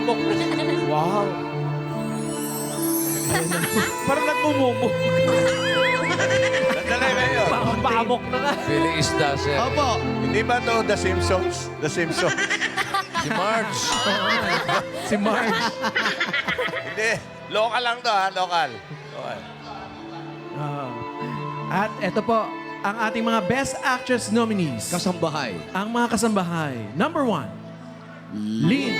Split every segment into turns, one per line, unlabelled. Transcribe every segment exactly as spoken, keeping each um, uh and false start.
Paamok na.
Wow. Parang nagmumumo.
Sandali, Mayor.
Paamok na nga.
Feeling isda siya.
Opo. Hindi ba to The Simpsons? The Simpsons.
Si Marge.
Si Marge.
Hindi. Local lang to, ha? Local. Local.
Ah. At eto po, ang ating mga Best Actress nominees.
Kasambahay.
Ang mga kasambahay. Number one, Lynn.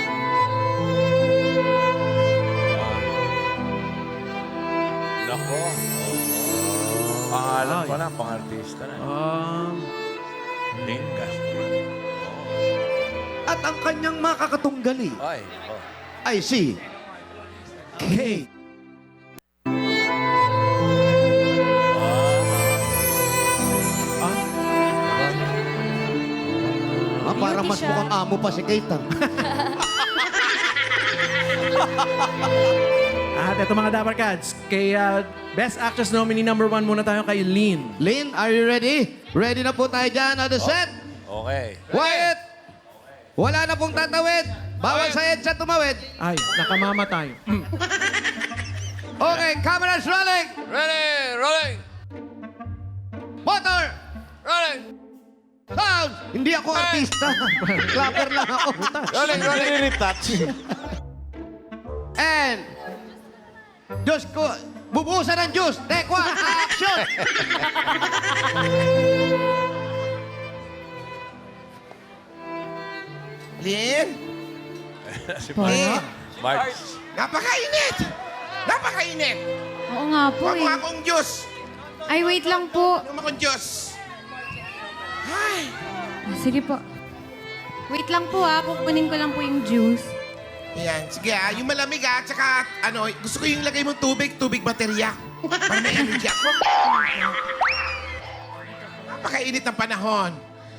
Nako. Pangalan
Ay.
pa lang, pang-artista na.
Um,
Lynn Castro.
At ang kanyang makakatunggali
Ay. Oh.
ay si Kate. Ah, parang mas mukhang amo pa si Kate. Ah.
at eto mga Dapper Cats, kay uh, Best Actress nominee number one muna tayo kay Lynn.
Lynn, are you ready? Ready na po tayo dyan. On the set.
Okay.
Quiet! Wala na pong tatawid. Bawal sa EDSA tumawid.
Ay, nakamamatay. Mm.
Okay, cameras rolling.
Ready, rolling,
Motor!
rolling.
Sound! Hindi ako artista. Clapper lang ako.
Rolling, rolling.
Retouch.
And, Diyos ko, bubusan ng juice. Take one, action!
Lynn?
Si
Lynn?
Marge.
Napakainit! Napakainit!
Oo nga po
Huwag mo
eh.
akong Diyos!
Ay, wait lang po.
Huwag mo akong Diyos! Ay!
Ah, Sige po. Wait lang po ah. Kukunin ko lang po yung juice.
Yan, sige ah. Yung malamig ah, tsaka ano, gusto ko yung lagay mong tubig, tubig baterya. Para may energy ako. Napakainit ng panahon.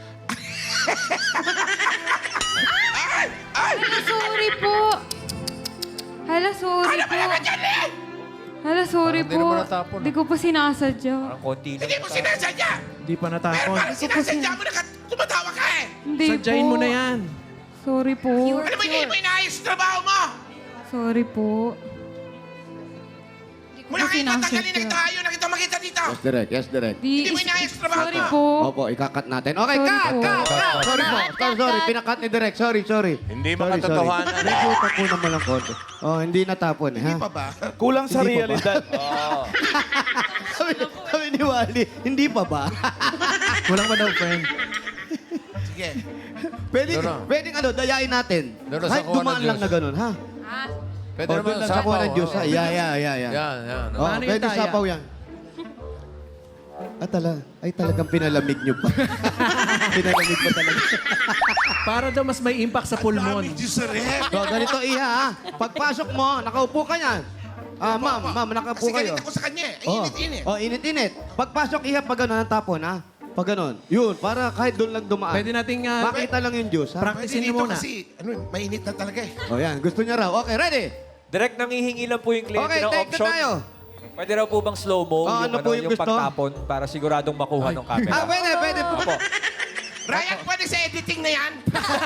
ay! Ay!
Hala, sorry po. Hala, sorry
Ano ba
po.
naman dyan, Lynn?
Hala, sorry
Parang di
po.
naman natapon,
Hindi ko po sinasadya.
Parang konti lang.
Hindi mo sinasadya!
Di pa
Pero
natapon.
bakit sinasadya mo na ka- tumatawa ka eh?
Hindi
Sadyain
po.
mo na yan.
Sorry po.
Ano ba hindi mo inaayos yung trabaho mo?
Sorry po. Hindi ko
Mula
po
kayo tatanggalin na
sinasadya.
kita, ayaw na kita makita dito.
Yes, direct. Yes, direct.
Di,
Hindi mo inaayos yung trabaho
sorry
mo.
po.
Opo, ikakat natin. Okay,
Sorry
cut,
po.
cut, cut. Sorry po. Sorry, sorry. Pinakat ni direct. Sorry, sorry.
Hindi
Sorry,
makatotohanan.
sorry. Medyo tapunan mo lang konti. Oh, hindi natapon, eh, ha?
Hindi pa ba?
Kulang sa
Hindi pa ba?
realidad.
sabi, sabi ni Wally, hindi pa ba?
Kulang pa daw, friend.
Sige.
Pwede,
Doon na.
pwede ano, dayain natin.
Doon na,
Kahit
sakuha ng
dumaan lang
juice.
na ganun, ha?
Pwede
Oh,
naman
doon lang
sapaw.
sapaw ng juice, ha?
oh.
Yeah, yeah, yeah, yeah.
Yan, yan.
Oh,
Paano yung
pwede
taya?
sapaw yan. Ah, tala. Ay, talagang pinalamig nyo pa. Pinalamig pa talaga.
Para daw mas may impact sa pulmon.
Dami Diyos sa rep.
So, ganito, Iha, ha? Pagpasok mo, nakaupo ka yan. Ah, ma'am, ma'am, nakaupo
Kasi
kayo.
galit ako sa kanya eh.
Oh.
Init-init.
Oh, init-init. Pagpasok, Iha, pag gano'n, ang tapon, ha? Pag gano'n. Yun, para kahit doon lang dumaan.
Pwede nating uh,
Makita lang yung juice, ha?
practicein
Pwede
niyo
dito
muna.
kasi, ano, mainit na talaga eh.
Oh, yan. Gusto niya raw. Okay, ready?
Direct nangihingi lang po yung kliyente
Okay,
ng
take
option.
na tayo.
Pwede raw po bang slow-mo
Oh,
yung,
ano
ano,
po yung
yung
gusto?
pagtapon para siguradong makuha ng camera?
Ah, pwede, pwede po.
Opo.
Ryan, pwede sa editing na yan?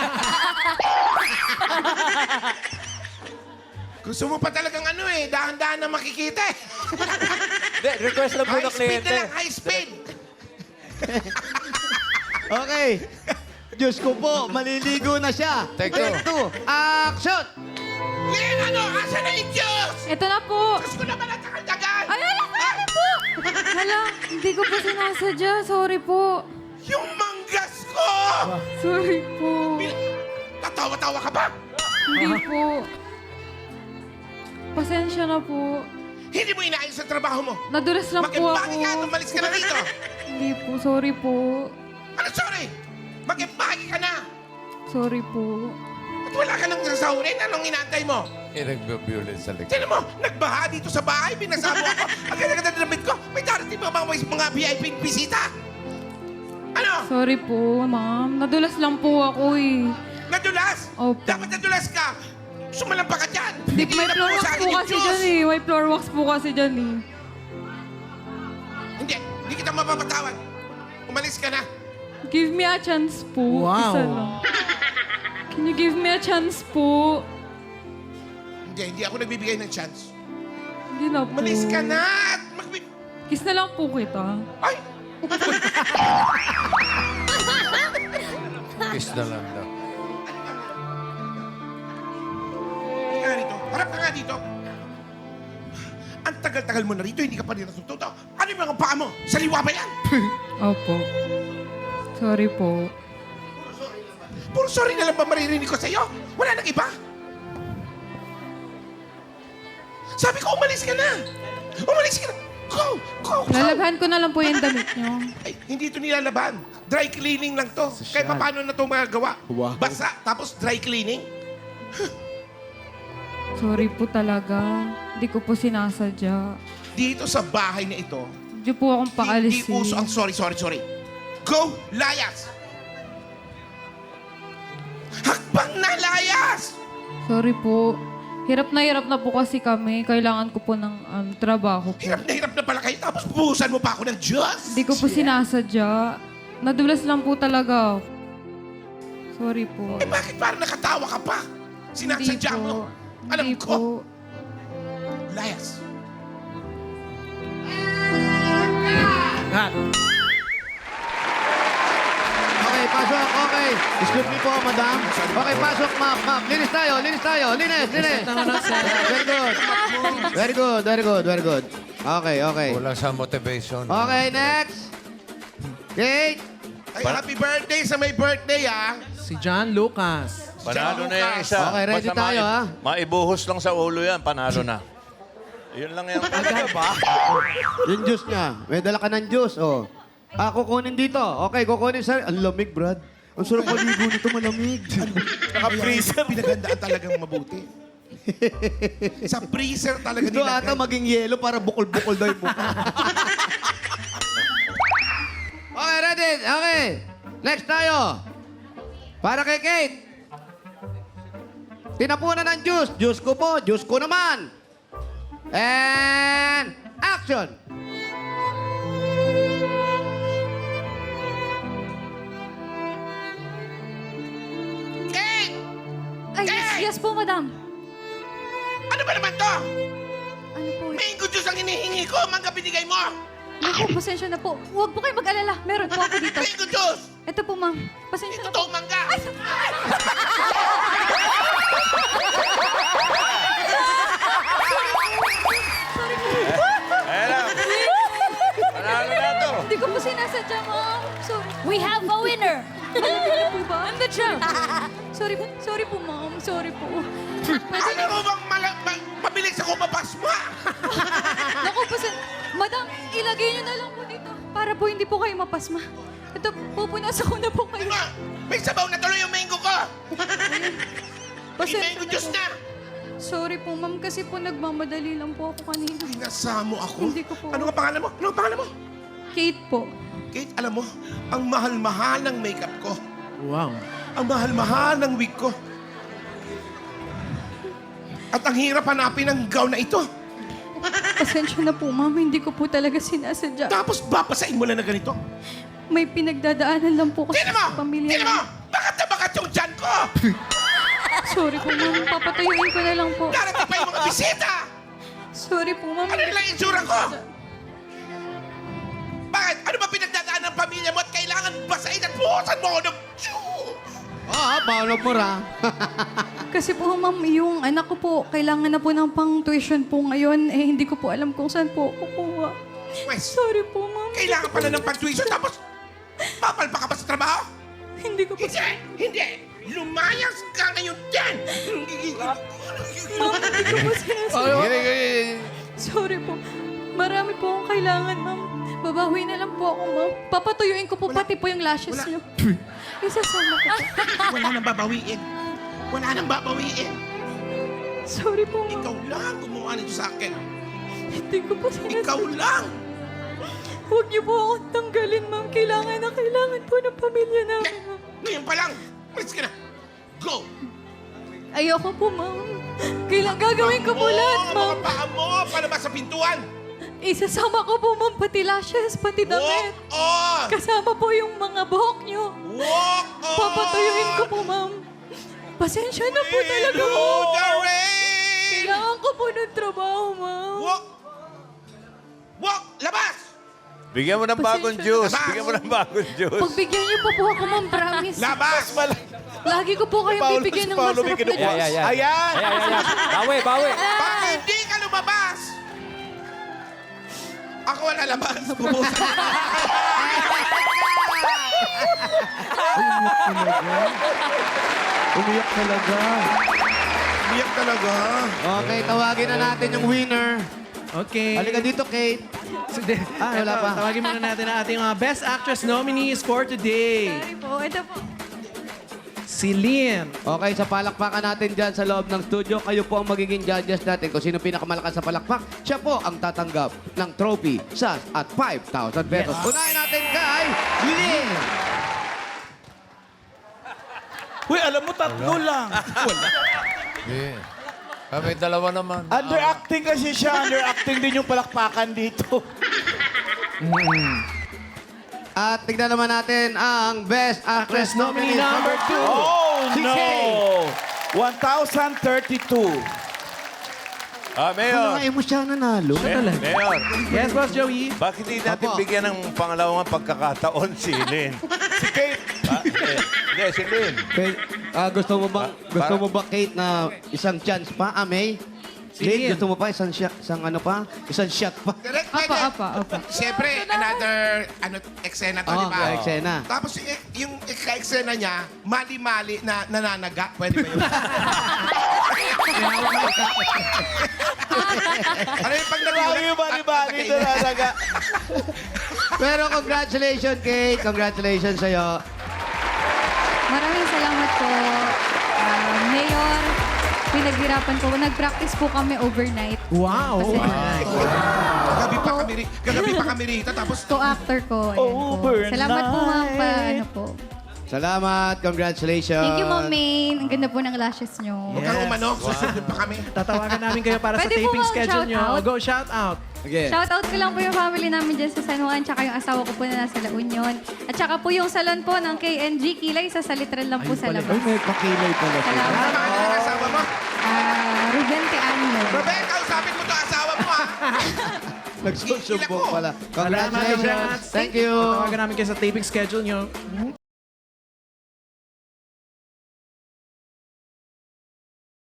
Gusto mo pa talagang ano eh, dahan-dahan na makikita eh.
Hindi, request lang po
High
ng
speed
kliyente.
na lang, high speed.
Okay. Diyos ko po, maliligo na siya.
Take two.
Take two. Action!
Lynn, ano? Asa na yung Diyos?
Ito na po.
Gusto ko naman ang takaldagan.
Ay, hala, sorry po. Hala, hindi ko po sinasadya. Sorry po.
Yung manggas ko!
Sorry po.
Tatawa-tawa ka ba?
Hindi po. Pasensya na po.
Hindi mo inaayos ang trabaho mo.
Nadulas lang po ako.
Mag-impake ka, tumalis ka na dito.
Hindi po. Sorry po.
Ano, sorry? Mag-impake ka na.
Sorry po.
At wala ka nang sasahurin. Anong inaantay mo?
Eh, nagbe-violence sa likod.
Tignan mo, nagbaha dito sa bahay, binasabo ako. Ang ganda-ganda ng damit ko. May darating pa mga, mga V I P bisita. Ano?
Sorry po, ma'am. Nadulas lang po ako eh.
Nadulas?
Opo.
Dapat nadulas ka. Sumalampa ka dyan.
Di, may
na
floor
po
wax
sa akin
po
yung
kasi
Diyos.
dyan eh. May floor wax po kasi dyan eh.
Hindi, hindi kita mapapatawad. Umalis ka na.
Give me a chance po.
Wow.
Isa lang. Can you give me a chance po?
Hindi, hindi ako nagbibigay ng chance.
Hindi na po.
Malis ka na at magbi...
Kiss na lang po kita.
Ay!
Kiss na lang daw.
Hindi ka nga dito. Harap ka nga dito. Ang tagal-tagal mo na rito, hindi ka pa rin natututo. Ano yung mga paa mo? Saliwa ba yan?
Opo. Sorry po.
Puro sorry na lang ba maririnig ko sa'yo? Wala nang iba? Sabi ko, umalis ka na! Umalis ka na! Go! Go! Go!
Lalabhan ko na lang po yung damit niyo.
Ay, hindi ito nilalaban. Dry cleaning lang to. Kaya paano na ito magagawa?
Wow.
Basa, tapos dry cleaning?
Sorry po talaga. Hindi ko po sinasadya.
Dito sa bahay na ito,
Hindi po akong
hindi
paalisin.
uso ang sorry, sorry, sorry. Go! Layas! Hakbang na layas!
Sorry po. Hirap na hirap na po kasi kami. Kailangan ko po ng um, trabaho po.
Hirap na hirap na pala kayo, tapos bubuhusan mo pa ako ng Diyos!
Hindi ko po sinasadya. Nadulas lang po talaga. Sorry po.
Eh bakit parang nakatawa ka pa? Sinasadya
Hindi
mo.
po.
Alam
Hindi
ko.
po.
Layas.
Cut.
Okay, pasok. Okay. Excuse me po, madam. Okay, pasok, ma'am. Ma'am, linis tayo. Linis tayo. Linis, linis. Very good. Very good, very good, very good. Okay, okay.
Kulang sa motivation.
Okay, next. Kate.
Ay, happy birthday sa may birthday, ah!
Si John Lucas.
Panalo na yung isa.
Okay, ready
Basta
tayo,
mai-
ha?
Maibuhos lang sa ulo yan, panalo na. Yun lang yan. Talaga ba?
Yung juice niya. May dala ka ng juice, oh. Ah, kukunin dito. Okay, kukunin sa... Ang lamig, Brad. Ang sarap maligo nito, malamig.
Naka-freezer. Pinagandaan talagang mabuti. Sa freezer talaga
Ito ata
nilagay.
maging yelo para bukol-bukol daw yung mukha. Okay, ready? Okay. Next tayo. Para kay Kate. Tinapunan ng juice. Juice ko po. Juice ko naman. And action.
Kate!
Ay, yes, yes po, madam.
Ano ba naman to?
Ano po?
Mango juice ang hinihingi ko. Mangga binigay mo.
Naku, pasensya na po. Huwag po kayo mag-alala. Meron po ako dito.
Mango juice!
Ito po, ma'am. Pasensya na po.
Totoong mangga.
Ayan lang. Panalo na to.
Hindi ko po sinasadya, ma'am. Sorry. We have a winner! po ba? I'm the champ. sorry po. Sorry po, ma'am. Sorry po. Pwede
Ano mo bang mala- ma- mabilis ako mapasma?
Naku, pasen... Madam, ilagay niyo na lang po dito. Para po hindi po kayo mapasma. Ito, pupunasan ko na po kayo.
Ano? May sabaw na tuloy yung mango ko. May
Pasensya
mango
na
juice
po.
na.
Sorry po, ma'am. Kasi po nagmamadali lang po ako kanina.
Pinasamo ako.
Hindi ko po.
Ano ang pangalan mo? Ano ang pangalan mo?
Kate po.
Kate, alam mo, ang mahal-mahal ng makeup ko.
Wow.
Ang mahal-mahal ng wig ko. At ang hirap hanapin ng gown na ito.
Pasensya na po, ma'am. Hindi ko po talaga sinasadya.
Tapos babasain mo lang na ganito.
May pinagdadaanan lang po kasi
Tingnan mo!
sa pamilya.
Tingnan mo! Bakit na bakit yung dyan ko?
Sorry po, ma'am. Papatayuin ko na lang po.
Darating pa yung mga bisita!
Sorry po, ma'am.
Ano nilang insura ko? Bakit? Ano ba pinagdadaan ng pamilya mo at kailangan basahin at buhusan mo ako ng juice?
Oo, paano po ra?
Kasi po, ma'am, yung anak ko po, kailangan na po ng pang-tuition po ngayon. Eh, hindi ko po alam kung saan po kukuha.
Wes,
Sorry po, ma'am.
kailangan pala ng pag-tuition tapos papalpa ka pa sa trabaho?
Hindi ko po...
Hindi! Hindi! Lumayas ka ngayon dyan!
Ma'am, hindi ko po sinasabi. Sorry po. Marami po akong kailangan, ma'am. Babawi na lang po ako, ma'am. Papatuyuin ko po pati po yung lashes
Wala.
niyo. Isasama ko po.
Wala nang babawiin. Wala nang babawiin.
Sorry po, ma'am.
Ikaw lang gumawa nito sa akin.
Hindi ko po sinasabi.
Ikaw lang!
Huwag niyo po akong tanggalin, ma'am. Kailangan na kailangan po ng pamilya namin,
Ngay-
ma'am.
Ngayon pa lang! Malis ka na! Go!
Ayoko po, ma'am. Kailangan gagawin ko po lahat,
Oo,
ma'am.
mga paa mo! Palabas sa pintuan!
Isasama ko po, ma'am, pati lashes, pati
Walk
damit.
on!
Kasama po yung mga buhok niyo.
Walk on!
Papatuyuin ko po, ma'am. Pasensya na po talaga po.
Into the rain!
Bigyan mo ng bagong juice. Bigyan mo ng bagong juice.
Pagbigyan niyo po po ako, ma'am, promise.
Labas!
Lagi ko po kayong bibigyan ng masarap na
Ayan,
juice.
ayan, ayan.
Ayan!
Ayan, ayan, ayan. Bawi, bawi.
Bakit hindi ka lumabas? Ako wala labas. Bubusan.
Umiyak talaga.
Biyak talaga.
Okay, tawagin na natin yung winner.
Okay.
Halika dito, Kate.
So, de-
Ah, wala
eto,
pa.
Tawagin muna natin ang ating mga Best Actress nominees for today.
Sorry po, ito po.
Si Lynn.
Okay, sa palakpakan natin dyan sa loob ng studio, kayo po ang magiging judges natin. Kung sino pinakamalakas sa palakpak, siya po ang tatanggap ng trophy, sas at five thousand pesos. Unahin natin kay Lynn!
Uy, alam mo, tatlo lang.
Yeah. Kami dalawa naman.
Underacting kasi siya. Underacting din yung palakpakan dito.
At tignan naman natin ang Best Actress
nominee
nominee
number
number two.
Oh,
Si
no!
Kay.
one thousand thirty-two.
Ah, Mayor.
Ano mo siya nanalo?
Eh, Mayor.
Yes, Boss Joey.
Bakit hindi natin
Apo.
bigyan ng pangalawang pagkakataon si Lynn?
Si Kate.
Ah, eh, Hindi, si Lynn.
Kay- ah, gusto mo ba
Pa-
gusto
para-
mo ba Kate na isang chance pa, ah, May?
Si
Lynn,
Lynn.
gusto mo pa isang shot, isang ano pa? Isang shot pa.
Correct,
Apa,
pwede.
apa, apa.
Siyempre, another ano, eksena to,
Oh,
di ba?
kaya eksena.
Tapos y- yung ka-eksena niya, mali-mali na nananaga. Pwede ba yun? ano yung pag nagulat?
Lagi yung bali-bali
at- at
na
nakainit?
talaga.
Pero congratulations, Kate. Congratulations sa'yo.
Maraming salamat po, ah, Mayor. Pinaghirapan ko. Nag-practice po kami overnight.
Wow.
Kasi
Gagabi pa kami, ri- gagabi pa kami rito. Tapos,
co-actor ko. Ayan po.
Overnight.
Salamat po, ma'am. Pa, ano po.
Salamat. Congratulations.
Thank you, Ma'am Maine. Ang ganda po ng lashes nyo.
huwag kang umano. Susunod pa kami.
Tatawagan namin kayo para
Pwede
sa
po
taping
bang
schedule
shout
nyo.
out?
Go, shout out.
Again.
Shoutout ko lang po yung family namin dyan sa San Juan, tsaka yung asawa ko po na nasa La Union. At tsaka po yung salon po ng K N G Kilay sa Salitran lang po
Ayun
sa
pala.
labas.
Ay, may pakilay pala siya.
Ano
Salamat.
pangalan ng asawa mo?
Ah, Ruben Teano.
Rebecca, usapin mo to asawa mo, ha?
Nagsusumbong pala.
Salamat,
Congratulations.
congrats.
Thank you.
Tatawagan namin kayo sa taping schedule nyo.